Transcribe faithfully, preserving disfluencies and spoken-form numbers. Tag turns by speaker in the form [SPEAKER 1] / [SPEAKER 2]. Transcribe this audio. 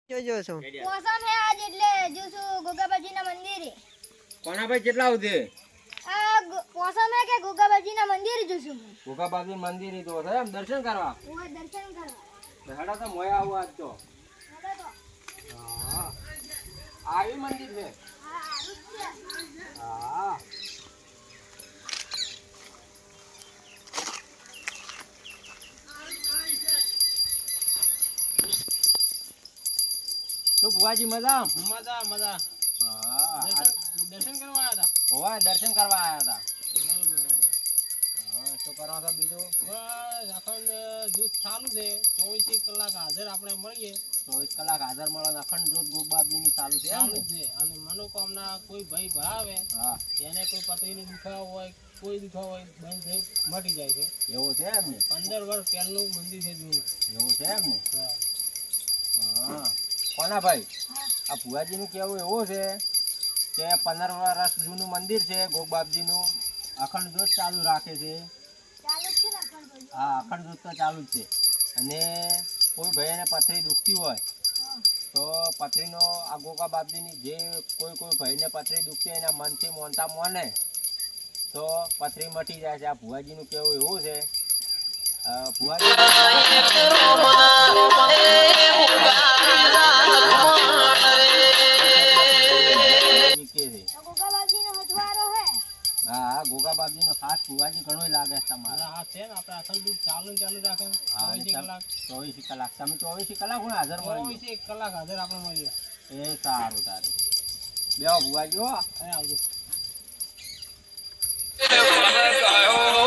[SPEAKER 1] જોજો છો
[SPEAKER 2] મોસમ હે આજ એટલે જોશું ગોગાબાજીના મંદિરે.
[SPEAKER 3] કોના ભાઈ કેટલા આવશે?
[SPEAKER 2] આ મોસમ હે કે ગોગાબાજીના મંદિરે જોશું.
[SPEAKER 3] ગોગાબાજી મંદિર તો છે એમ દર્શન કરવા.
[SPEAKER 2] ઓય દર્શન કરવા.
[SPEAKER 3] બેડા તો મોયા આવું આજ તો.
[SPEAKER 2] હવે તો
[SPEAKER 3] હા. આવી મંદિર છે.
[SPEAKER 2] હા આવું છે.
[SPEAKER 3] હા. તો બુવાજી મજા
[SPEAKER 4] મજા મજા.
[SPEAKER 3] હા
[SPEAKER 4] દર્શન કરવા આવ્યા હતા.
[SPEAKER 3] ઓય દર્શન કરવા આવ્યા હતા. હા શું કરો છો બીજું?
[SPEAKER 4] બસ અખંડ જૂથ ચાલુ છે. ચોવીસ કલાક હાજર આપણે મળીએ.
[SPEAKER 3] ચોવીસ કલાક હાજર મળે અખંડ જોત ગોબાબજીની ચાલુ છે એમ
[SPEAKER 4] ચાલુ
[SPEAKER 3] ને?
[SPEAKER 4] છે. અને મનોકામના કોઈ ભાઈ ભરાવે
[SPEAKER 3] હા
[SPEAKER 4] એને કોઈ પતરીની દુખાવો હોય કોઈ દુખાવો હોય બંધ થઈ મટી જાય છે.
[SPEAKER 3] એવું છે એમ ને?
[SPEAKER 4] પંદર વર્ષ પહેલું મંદિર છે જૂનું.
[SPEAKER 3] એવું છે એમ ને?
[SPEAKER 4] હા.
[SPEAKER 3] હા કોના ભાઈ આ ભુવાજીનું કેવું એવું છે કે પંદર વર્ષ જૂનું મંદિર છે ગોગબાપજીનું અખંડ જ્યોત ચાલુ રાખે છે.
[SPEAKER 2] ચાલુ જ છે ને પણ ભાઈ.
[SPEAKER 3] હા અખંડ જ્યોત તો ચાલુ જ છે. અને કોઈ ભાઈને પથરી દુખતી હોય
[SPEAKER 2] હા.
[SPEAKER 3] તો પથરીનો આ ગોગા બાપજીની જે કોઈ કોઈ ભાઈને પથરી દુખતી હોય એના મનથી મોનતા મોને તો પથરી મટી જાય છે. આ ભુવાજીનું કેવું એવું છે. અ, ભુવાજી કે છે.
[SPEAKER 2] તો ગોગાબાજીનો હથવારો હે.
[SPEAKER 3] હા હા ગોગા બાપજીનો ખાસ ભુવાજી ઘણો લાગે છે તમારે.
[SPEAKER 4] મારા હાથ છે ને આપણે અખંડ દૂધ ચાલુ ને ચાલુ રાખે
[SPEAKER 3] હા,
[SPEAKER 4] ચોવીસ
[SPEAKER 3] એટલે
[SPEAKER 4] કલાક.
[SPEAKER 3] ચોવીસ કલાક તમે ચોવીસ કલાક હું હાજર મળી
[SPEAKER 4] ચોવીસ એક કલાક હાજર આપણે મળીએ.
[SPEAKER 3] એ સારું તારું બેહો ભુવાજી હો.
[SPEAKER 4] અહીં આવજો.